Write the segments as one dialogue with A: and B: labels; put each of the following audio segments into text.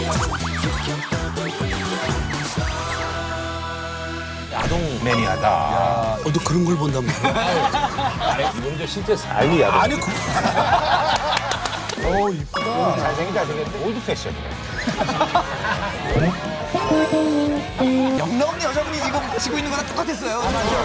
A: 야동 매니아다.
B: 너 그런 걸 본단 말이야?
A: 이분 저 실제 삶이 야동.
B: 아니, 이쁘다.
A: 잘생겼는데 올드 패션이네.
C: 영롱 여자분이 지금 지고 있는 거랑 똑같았어요.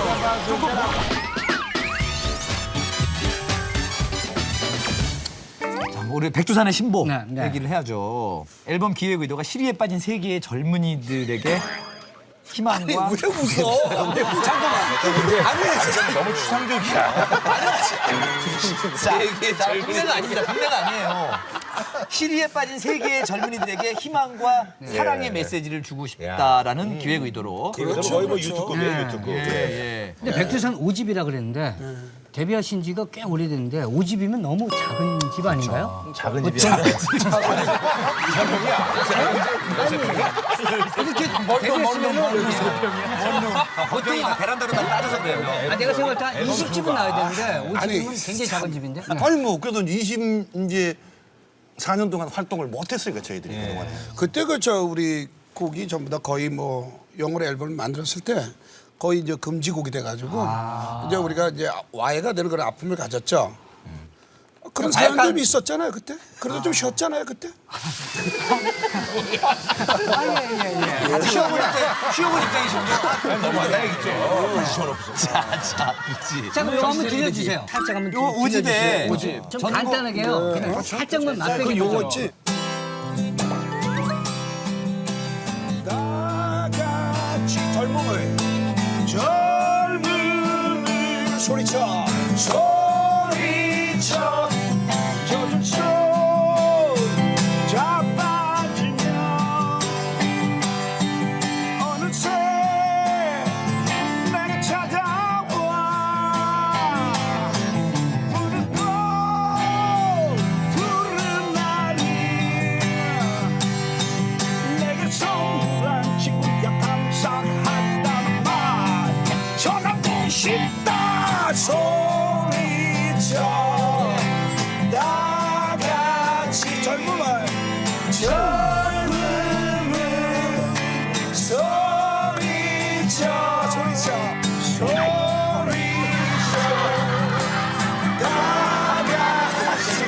C: 자, 우리 백두산의 신보
D: 네, 네.
C: 얘기를 해야죠. 앨범 기획 의도가 시리에 빠진 세계의 젊은이들에게 희망과
B: 왜 웃어? 잠깐만. 아니,
A: 너무 추상적이야.
C: 동네가 아닙니다. 동네가 아니에요. 시리에 빠진 세계의 젊은이들에게 희망과 사랑의 메시지를 주고 싶다라는 기획 의도로.
A: 그렇죠. 거의 뭐 유튜브예요, 유튜브.
C: 예.
D: 근데 백두산 5집이라 그랬는데 데뷔하신 지가 꽤 오래됐는데 5집이면 너무 작은 집 아닌가요?
A: 작은 집이야.
D: 이렇게 데뷔했으면은
C: 보통 베란다로 다 따져서 그래요.
D: 내가 생각할 때 한 20집은 나와야 되는데 5집이면
B: 아니,
D: 굉장히 작은 집인데. 네.
E: 아니 뭐 그래도 4년 동안 활동을 못했으니까 저희들이 그동안.
B: 그때 우리 곡이 전부 다 거의 뭐 영어로 앨범을 만들었을 때 거의 이제 금지곡이 돼가지고 이제 우리가 이제 와해가 되는 그런 아픔을 가졌죠. 그런 사연들이 있었잖아요 그때. 그래도 좀 쉬었잖아요 그때.
C: 쉬어본 입장이신데.
D: 자, 그럼 이거 한번 들려주세요. 살짝 한번
C: 요 오집에
D: 들려주세요. 좀 간단하게요. 그냥 살짝만 맛보기
B: 그 용어지. 다 같이 젊음을 소리쳐 소리쳐 젖은 자빠지면 어느새 내게 찾아와 푸른 꽃 푸른 날이 내게 선물한 친구야 감사하다는 말 전하고 싶다 소리쳐 다 같이 젊음을 소리쳐 다 같이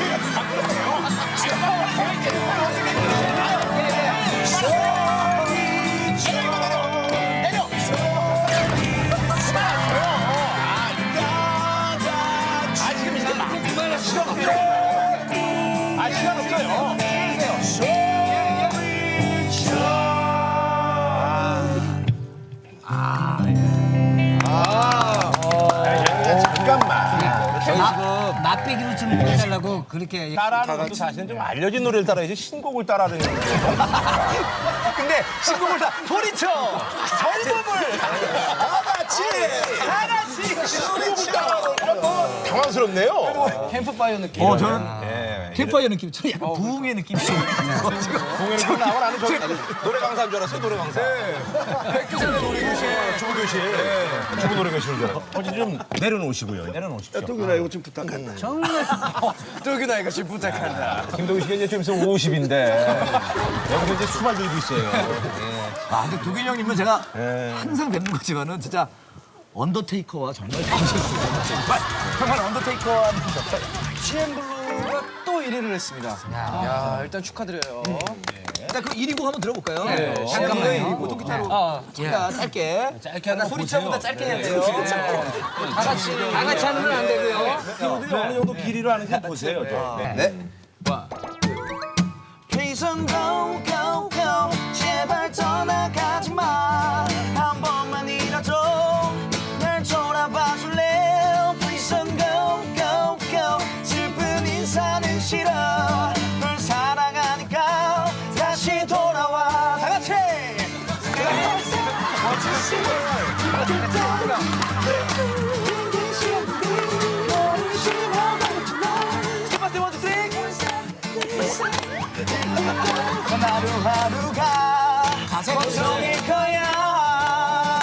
A: 시간 없어요. 잠깐만.
C: 저희 지금
D: 맛배기로 좀 해달라고 그렇게.
A: 따라하는 것도 사실은 좀 알려진 노래를 따라야지 신곡을 따라하는 게.
C: 근데 신곡을 다 소리쳐 젊음을 다 같이 소리쳐.
A: 당황스럽네요.
D: 캠프파이어 느낌.
C: 저는 캠파이어 느낌, 저는 약간 부흥의 느낌이 좀
A: 공연에서 나온 아는 저 노래 강사인 줄 알았어요, 노래 강사. 백두산의 노래교실, 주부교실. 주부 노래교실인 줄 알았어요. 어제 좀 내려놓으시고요. 내려놓으십시오.
B: 똥이나 이거 좀 부탁한다.
D: 정말
C: 뚜기나 이거 지금 부탁한다.
A: 김동희 씨가 이제 좀 있으면 50인데 여기서 이제 수발 들고 있어요.
C: 근데 두균 형님은 제가 항상 뵙는 거지만은 진짜 언더테이커와 정말 닮으셨어요. 정말 언더테이커와 CN블루가 또 1위를 했습니다.
F: 야, 일단 축하드려요.
C: 일단 그 1위 곡 한번 들어볼까요?
D: 잠깐만요.
C: 1위 곡 통기타로 잠깐 짧게. 약간 소리쳐보다 짧게 해야 돼요.
D: 다 같이 하는 건 안 되고요.
A: 친구들이 어느 정도 길이로 하는지 보세요.
C: 네. Please don't go, go, go. 제발 떠나가지 마. 한 번만이라도 날 돌아봐 줄래? Please don't go, go, go. 슬픈 인사는 싫어. 널 사랑하니까 다시 돌아와. 다 같이. 하루하루가 고통일 거야.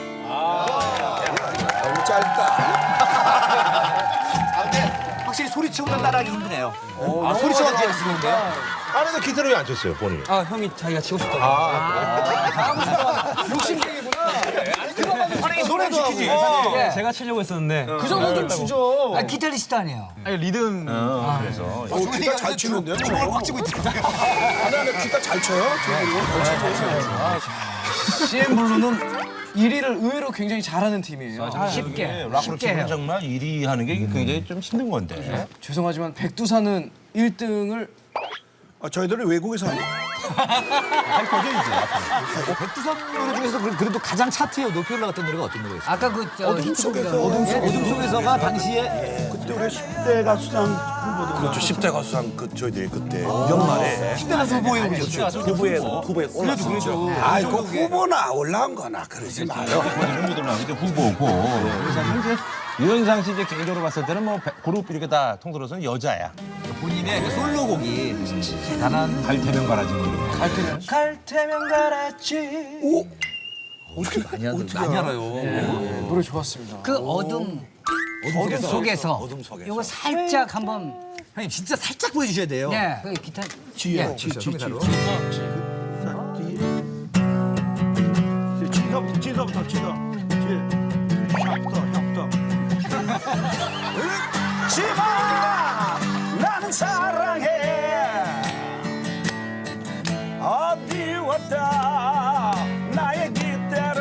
B: 너무 짧다.
C: 확실히 소리쳐
F: 소리쳐보다 따라하기 힘드네요.
A: 아, 소리쳐가 기가 쓰는데요? 안에서 기타를 왜 안 쳤어요, 본인?
F: 아 형이 자기가 치고 싶다고.
D: 욕심쟁이구나.
A: 아니, 노래도 시키지.
F: 제가 치려고 했었는데.
D: 그 정도는 주죠. 아, 기타리스트 아니에요.
F: 아니 리듬.
A: 그래서.
B: 기타 잘 치는데요? 춤을 꽉 쥐고 있다. 아니, 기타 잘 쳐요?
F: CM 블루는 1위를 의외로 굉장히 잘하는 팀이에요.
D: 쉽게.
A: 락으로
D: 쉽게
A: 치면
D: 해요.
A: 정말 1위 하는 게 굉장히 좀 힘든 건데.
F: 죄송하지만 백두산은 1등을
B: 저희들은 외국에서 하니까.
G: 백두산 노래 중에서 그래도 가장 차트에 높이 올라갔던 노래가 어떤 노래였어요?
D: 아까 그
B: 어둠 속에서
G: 어둠 속에서가 당시에
B: 그때 우리 10대 가수상 후보도
E: 그렇죠. 10대 가수상 저희들이 그때 연말에
G: 10대 가수 후보에 오르셨죠.
E: 후보에 올랐었죠.
B: 아이 그 후보나 올라온 거나 그러지 마요.
A: 후보들 나오는데 후보고. 그래서 현재 유현상 씨 이제 개인적으로 봤을 때는 뭐 그룹 이렇게 다 통틀어서는 여자야.
G: 본인의 그 솔로곡이 대단한
A: 갈태면 가라지 노래.
F: 갈 테면 가라지.
G: 많이 알아요.
F: 노래 좋았습니다.
D: 그 어둠 속에서 이거 살짝 한번
G: 형님 진짜 살짝 보여주셔야 돼요.
D: 네. 그 기타
B: 뒤에
G: 기타로.
B: 지서부터 지서 샵부터
C: 지마 나는 사랑해 어디 왔다 나의 기대를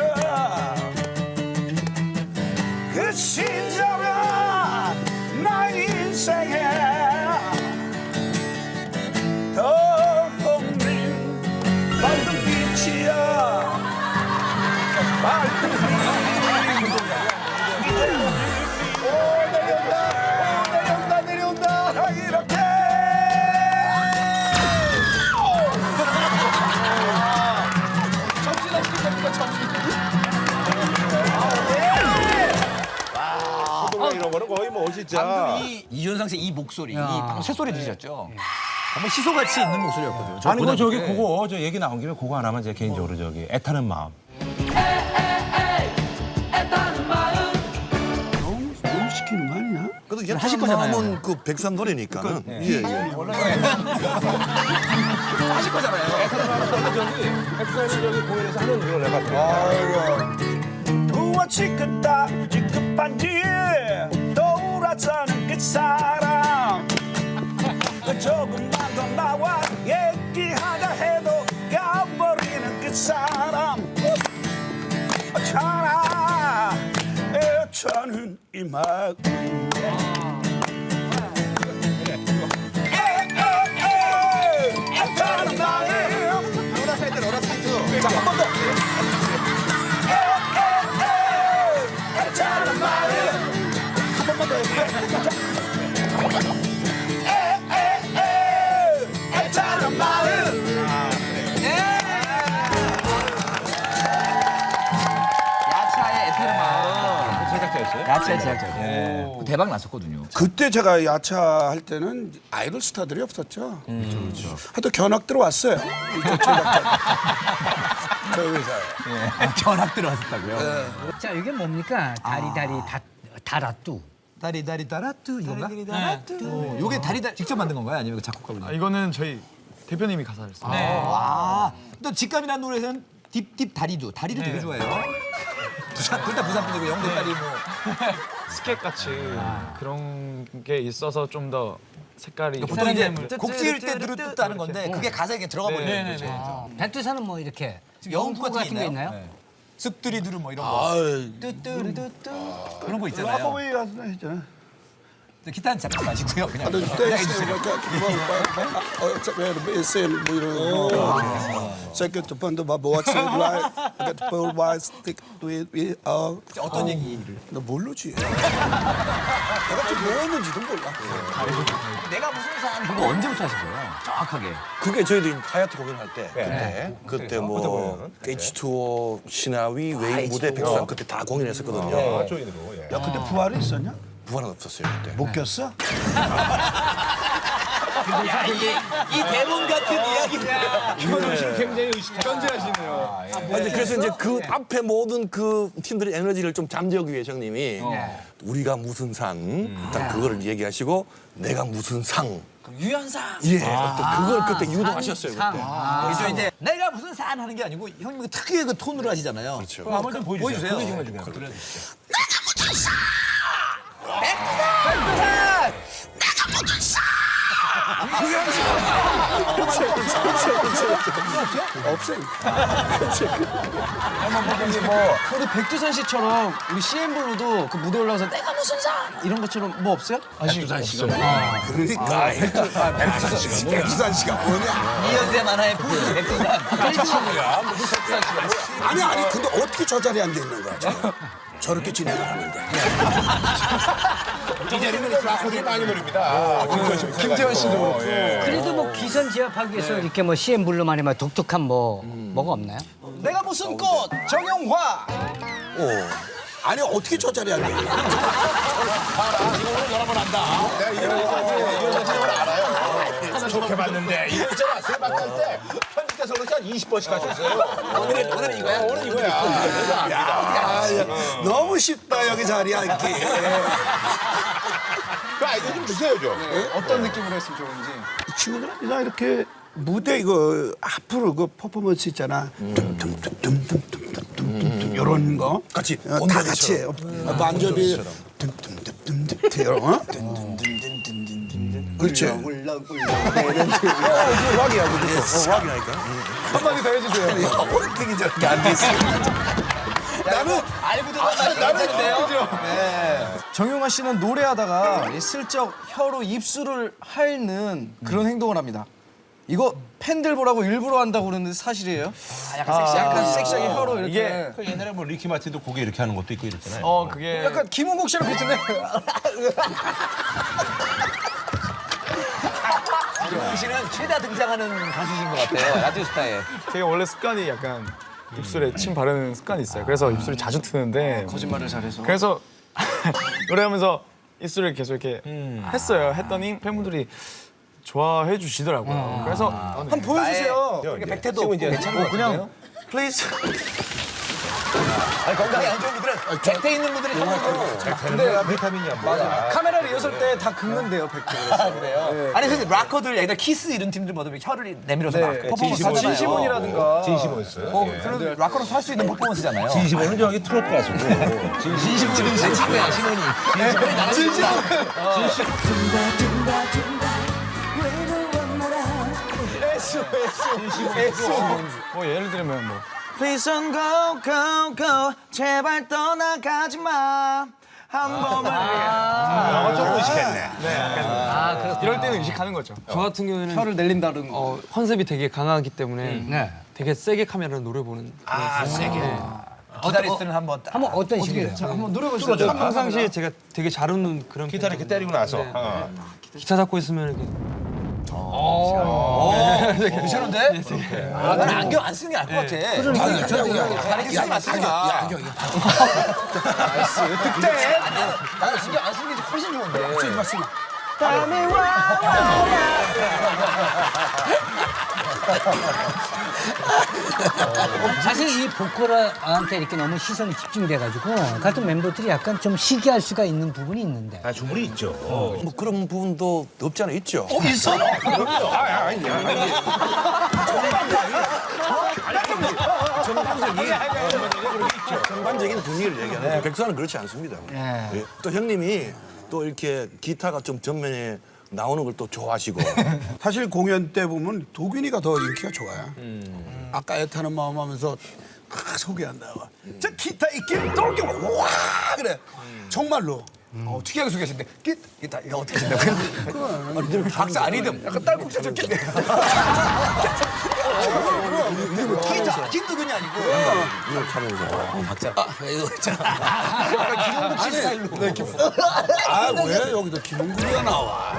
C: 그 심정은 나의 인생에 더 없는 밝은 빛이야 밝은 빛 내려온다 이렇게
A: 이런 거는 거의 뭐 진짜.
G: 이윤상 씨 이 목소리, 이 방금 새소리 들으셨죠? 정말 시소같이 있는 목소리였거든요.
A: 아니 뭐 저기 그거 저 얘기 나온 김에 그거 하나만 제가 개인적으로 저기 애타는 마음.
B: 너무 시키는 거 아니야?
E: 그래도 하실 거잖아요. 그 백두산 노래니까는. 예.
G: 하실 거잖아요.
A: 백두산이 저기 공연에서 하는 이걸 내가
C: 무엇이겠다 급한지 떠오르자는 그 사람 그 조금만 더 나와 얘기하자 해도 가버리는 그 사람 차라 애차는 이 마음 애타는 마음 자, 한 번 더. 애타는 마음 한 번만 더 해볼게. 애타는 마음
G: 야차의 애타는 마음.
A: 제작자였어요?
G: 야차의 제작자. 그 대박 났었거든요.
B: 그때 제가 야차 할 때는 아이돌 스타들이 없었죠. 그렇죠. 하여튼 견학 들어왔어요. 이쪽 제작자. 저희 회사에.
G: 견학 들어왔었다고요?
D: 자 이게 뭡니까? 다리 다라뚜.
G: 다리 따라뚜 이건가? 요게 다리 직접 만든 건가요? 아니면 그 작곡가분이?
F: 이거는 저희 대표님이 가사를 써요.
G: 아, 또 직감이라는 노래에서는 딥 다리도 되게 좋아해요. 둘 다 부산 분이고 영도 딸이 뭐.
F: 스케치 같이 그런 게 있어서 좀 더 색깔이
G: 보통 이제 곡 지을 때 누르뚜 하는 건데 그게 가사에 그냥 들어가 버리는 거죠.
D: 백두산은 뭐 이렇게
G: 영구
D: 같은 게 있나요?
G: 쓱들이 누르 뭐 이런 거. 뚜뚜루뚜뚜 그런 거 있잖아요.
B: 아빠보이 가수 했잖아.
G: 기타는 잡지 마시고요. 그냥
B: 댄스 뭐 이런 거. Second to find out what's it like. I got to pull my stick to it.
G: 어떤 얘기를?
B: 나 모르지. 내가 지금 뭐 했는지도 몰라.
G: 내가 무슨 상 그거 언제부터 하신 거예요? 정확하게.
E: 그게 저희도 하얏트 공연할 때 그때 뭐 H2O, 신하위, 웨이 무대 백두산 그때 다 공연했었거든요.
A: 조인으로. 예.
B: 야, 그때 부활이 있었냐?
E: 부활은 없었어요 그때.
B: 못 꼈어?
G: 이 대본 같은 이야기들.
F: 굉장히 견제하시네요.
E: 근데 그래서 이제 그 앞에 모든 그 팀들의 에너지를 좀 잠재우기 위해 형님이 우리가 무슨 상, 일단 그거를 얘기하시고 내가 무슨 상.
G: 유연상.
E: 예, 또 그걸 그때 유도하셨어요. 그때.
G: 그래서 이제 내가 무슨 산 하는 게 아니고 형님 그 특유의 그 톤으로 하시잖아요.
E: 그렇죠.
A: 한번 좀 보여주세요. 그게 정말 중요해요.
F: 우리 백두산 씨처럼 우리 CM블루도 그 무대 올라가서 내가 무슨 상 이런 것처럼 뭐 없어요?
A: 백두산 씨가
B: 그러니까 백두산 씨가 뭐냐?
G: 이현세 만화의 포스 백두산.
B: 아니 근데 어떻게 저 자리에 앉아 있는 거야 지금? 저렇게 진행을 하는데.
A: 이 자리는 라코들이 많이 노립니다. 김태현 씨도 그렇고.
D: 그래도 뭐 기선 제압하기 위해서 이렇게 뭐 CM블루만의 뭐 독특한 뭐가 없나요?
G: 내가 무슨 꽃 정용화.
B: 아니 어떻게 저 자리에 앉아 있는 거야?
A: 내가 이런 사람을 알아요. 좋게 봤는데 이거 있잖아. 세 바퀴 때 편집돼서 그렇게 한 20번씩 하셨어요. 오늘은 이거야. 오늘 이거야.
B: 야, 너무 쉽다 여기 자리에 앉기.
A: 그 아이디어 좀 주세요 좀.
F: 어떤 느낌으로 했으면 좋은지.
B: 이 친구들은 그냥 이렇게 무대 이거 앞으로 그 퍼포먼스 있잖아. tumtumtumtumtumtumtumtumtum 이런 거
E: 같이
B: 다 같이 해요. 만접이 tumtumtumtumtum 이런 거. 그렇죠.
E: 확인하니까.
F: 한마디 더 해주세요.
B: 어떻게 저렇게 앉아 있어? 나는
G: 알고 들어가는 남자인데요.
F: 정용화 씨는 노래하다가 슬쩍 혀로 입술을 핥는 그런 행동을 합니다. 이거 팬들 보라고 일부러 한다고 그러는데 사실이에요? 약간 섹시하게 혀로 이렇게.
A: 그 옛날에 뭐 리키 마틴도 고개 이렇게 하는 것도 있고 이랬잖아요.
F: 그게 약간 김은국 씨랑 비슷한데.
G: 김웅 씨는 최다 등장하는 가수신 것 같아요. 라디오스타에.
F: 제가 원래 습관이 약간 입술에 침 바르는 습관이 있어요. 그래서 입술이 자주 트는데 거짓말을 잘해서. 그래서 노래하면서 입술을 계속 이렇게 했어요. 했더니 팬분들이 좋아해 주시더라고요. 그래서 한번 보여주세요.
G: 백태도 없고 괜찮은 것
F: 그냥 플리즈.
G: 건강이 안 좋은 분들은 백태 있는 분들이 좋아요.
A: 근데 비타민이야 뭐야.
F: 카메라 리허설 때 다 긁는데요, 백태.
G: 그래요? 아니 근데 락커들 예를 키스 이런 팀들 보면 혀를 내밀어서 막 퍼포먼스 하잖아요.
F: 진시몬이라든가.
A: 진심이었어요.
G: 그런 락커로서 할 수 있는 퍼포먼스잖아요.
A: 진심은 저기 트로트 가수고.
G: 진시몬이 내 친구야, 시몬이. 진시몬.
F: 뭐 예를 들면 뭐.
C: Please don't go go go 제발 떠나가지 마. 한 번만.
A: 영어 좀 의식했네.
F: 이럴 때는 의식하는 거죠.
H: 저 같은 경우에는
F: 혀를 내린다든
H: 컨셉이 되게 강하기 때문에
D: 네.
H: 되게 세게 카메라로 노래 보는
G: 기타리스트는 한번 딱.
D: 한번 어떤 식으로요?
F: 한번 노려보시죠.
H: 평상시에 제가 되게 잘 웃는 그런
A: 기타를 이렇게 때리고 나서.
H: 기타 잡고 있으면 이렇게
G: 괜찮은데? 난 안경 안 쓰는 게 나을 것 같아.
D: 그러니까 저도
G: 다리 쓰지 마시니까. 나이스. 득점. 나는 신경 안 쓰는 게 훨씬 좋은데.
B: 맞습니다.
D: 사실 이 보컬한테 이렇게 너무 시선이 집중돼가지고 같은 멤버들이 약간 좀 시기할 수가 있는 부분이 있는데.
A: 아 충분히 있죠.
E: 뭐 그런 부분도 없지 않아 있죠.
G: 있어?
E: 전반적인 분위기를 얘기하는 백수는 그렇지 않습니다. 예. 또 형님이 또 이렇게 기타가 좀 전면에 나오는 걸 또 좋아하시고
B: 사실 공연 때 보면 도균이가 더 인기가 좋아요. 아까 애타는 마음 하면서 소개한다. 저 기타 있긴 떨게 와 그래. 정말로.
G: 특이하게 소개하시는데 기타 이거 어떻게 된다고요? 박사 아니듬. 약간 딸꾹질 좀 끼네. 기타 김두근이 아니고.
E: 이걸 차면서
G: 박사. 이거 있잖아. 김홍국 씨 스타일로.
B: 아 왜 여기도 김홍국이가 나와?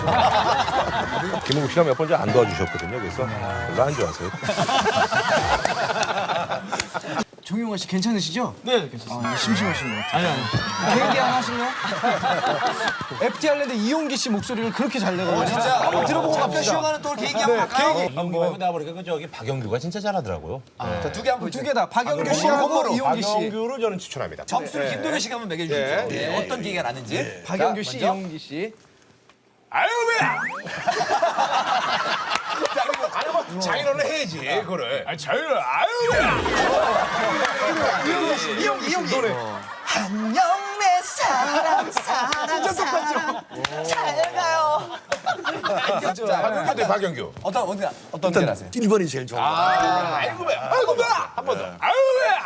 A: 김홍국 씨가 몇 번 안 도와주셨거든요. 그래서 별로 안 좋아하세요.
G: 정용화 씨 괜찮으시죠?
F: 네, 괜찮습니다.
G: 심심하신 것 같아요.
F: 아니.
G: 개인기 하나 하실래요? FT 할랜드 이용기 씨 목소리를 그렇게 잘 내거든요.
C: 진짜?
G: 한번 들어보고
C: 잠깐
G: 갑시다.
C: 쉬어가는 또 개인기 한번 할까요?
A: 한번 말고 나보니까 그 저기 박영규가 진짜 잘하더라고요.
C: 자, 두 개 한번
G: 두 개 다 박영규 씨하고 이용기 씨.
A: 박영규를 저는 추천합니다.
C: 점수를 김동현 씨가 한번 매겨주십시오. 예, 어떤 기회가 났는지.
G: 박영규
C: 자,
G: 씨,
C: 먼저.
G: 이용기 씨.
A: 아유 왜야? 아니 뭐 자기로는 해야지 그거를. 아니 자기로 아유 왜야?
C: 이용기 노래. 안녕 내 사랑 사랑 사랑 잘 가요.
A: 박영규 박영규.
C: 어떤 게 나세요?
E: 1번이 제일 좋은 거.
A: 아이고 왜야? 아이고 왜야? 한 번 더. 아유 왜야?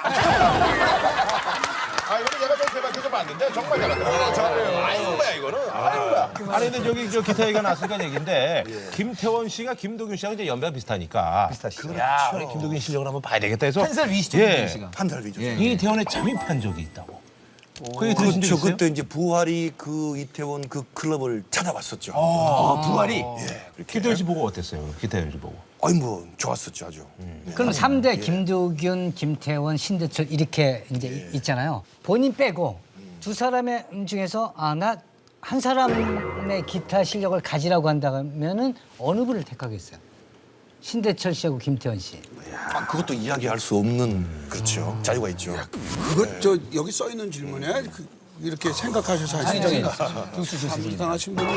A: 아 이거는 내가 좀 대박해서 봤는데 정말 잘한다. 잘해요. 아이고 왜야 이거는. 아이고 왜야? 아니 근데 저기 저 기타 얘기가 나왔으니까 얘기인데 김태원 씨가 김도균 씨하고 이제 연배가 비슷하니까. 비슷하시죠. 야 우리 김도균 실력을 한번 봐야 되겠다 해서.
G: 한 살 위시죠,
A: 예.
G: 김도균 씨가.
E: 한 달 위죠.
A: 이태원에 잠입한 적이 있다고. 그 얘기 들으신 적
E: 그렇죠.
A: 있어요?
E: 그때 이제 부활이 그 이태원 그 클럽을 찾아봤었죠.
G: 부활이.
A: 기태원 씨 보고 어땠어요? 기태원 씨 보고.
E: 아니 뭐 좋았었죠 아주.
D: 그럼 3대 김도균, 김태원, 신대철 이렇게 이제 있잖아요. 본인 빼고 두 사람의 중에서 나 한 사람의 기타 실력을 가지라고 한다면은 어느 분을 택하겠어요? 신대철 씨하고 김태원 씨.
E: 아, 그것도 이야기할 수 없는 그렇죠. 자유가 있죠.
B: 그것 저 여기 써 있는 질문에 이렇게 생각하셔서 하신 적이 참 이상하신 분이.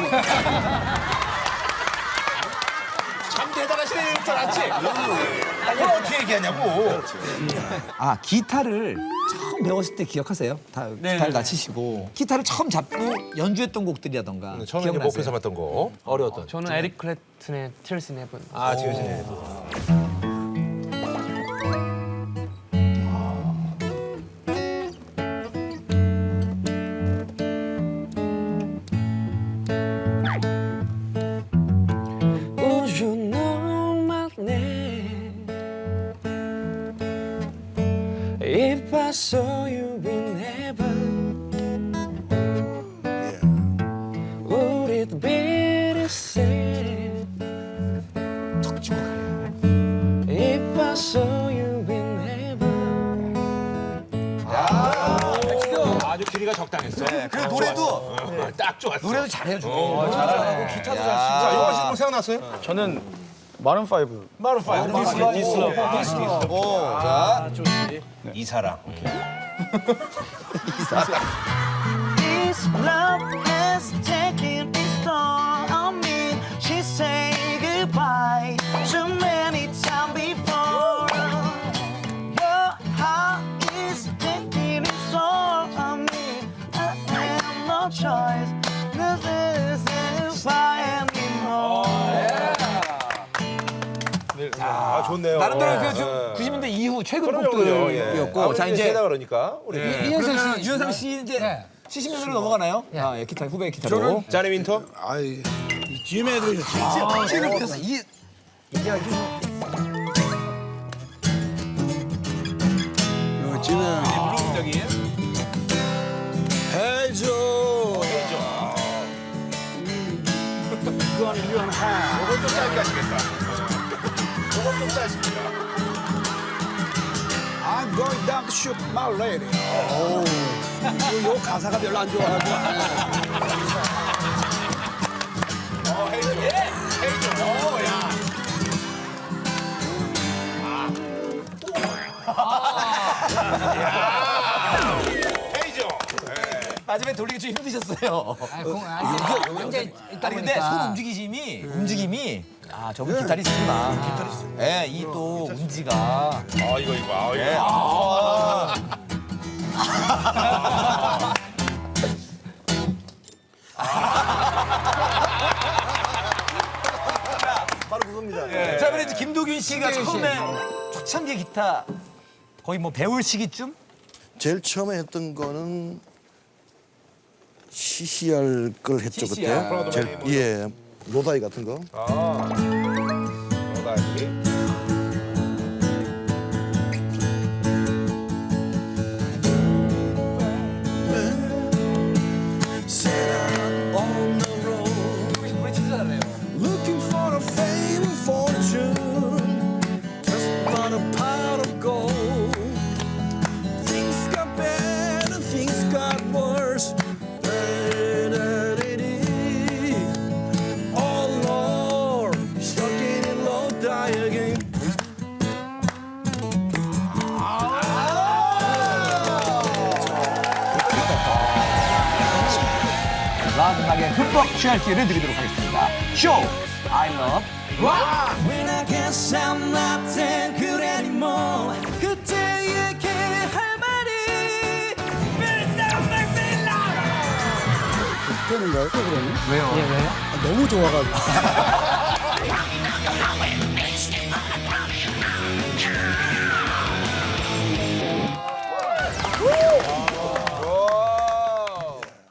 A: 참 대단하시네 이럴 줄 알았지? 이걸 어떻게 얘기하냐고.
G: 아, 기타를 처음 배웠을 때 기억하세요? 기타를 다 치시고. 기타를 처음 잡고 연주했던 곡들이라던가.
A: 처음에 이제
G: 기억나세요?
A: 목표 삼았던 거. 어려웠던.
H: 저는 에릭 클랩튼의 Tears in Heaven.
A: 아 지금
H: Would you know my name if I saw you in heaven? Would it be the same if I saw you in heaven?
A: 아주 길이가 적당했어.
C: 그 노래도
A: 딱 좋았어.
C: 노래도 잘해요.
A: 잘하고 기타도 잘 치고. 자, 영화 씨뭐 생각났어요?
F: 저는 마룬 5.
A: 마룬 5. 디슬러.
C: 자,
A: 이 사랑.
C: This love has taken its toll on me. She said goodbye too many times before. Your heart is taking its toll on me. I have no choice. This is why anymore.
A: 아 좋네요.
G: 나름대로 그 90년대 이후 최근
A: 그럼요.
G: 곡들이었고. 자, 이제
A: 세다 그러니까 우리.
G: 이현상 씨, 유현상 씨 이제
D: 네.
G: 70년대로 넘어가나요? 아, 예, 기타 후배 기타로.
A: 자네 윈터.
B: 아이 찜에 들으셨죠.
G: 지금 그래서 이
B: 요 찜에 해줘. 그건 유한하.
A: 이것도 짧게 하시겠다. 이것도 짧습니다.
B: I'm going down to shoot my lady. 요 가사가 별로 안 좋아가지고.
A: 헤이죠.
G: 마지막에 돌리기 좀 힘드셨어요.
D: 이제
G: 아니 근데 손 움직임이 아 저분 기타리스트구나. 기타리스트. 예, 이 또 운지가.
A: 아 이거.
G: 예.
E: 바로 그겁니다.
G: 자, 그래 이제 김도균 씨가 처음에 초창기 기타 거의 뭐 배울 시기쯤?
E: 제일 처음에 했던 거는 CCR 걸 했죠 그때. 제일, 예, 로다이 같은 거.
A: 너다이.
E: On the road,
G: 우리 진짜 잘해요.
E: looking for a fame and fortune, just not a pot of gold.
G: 음악에 흠뻑 취할 기회를 드리도록 하겠습니다. 쇼! I love
C: When I guess I'm not that good anymore 그때 얘기할 말이
B: 되는 거예요? 그러면?
D: 예, 왜요?
B: 너무 좋아가지고.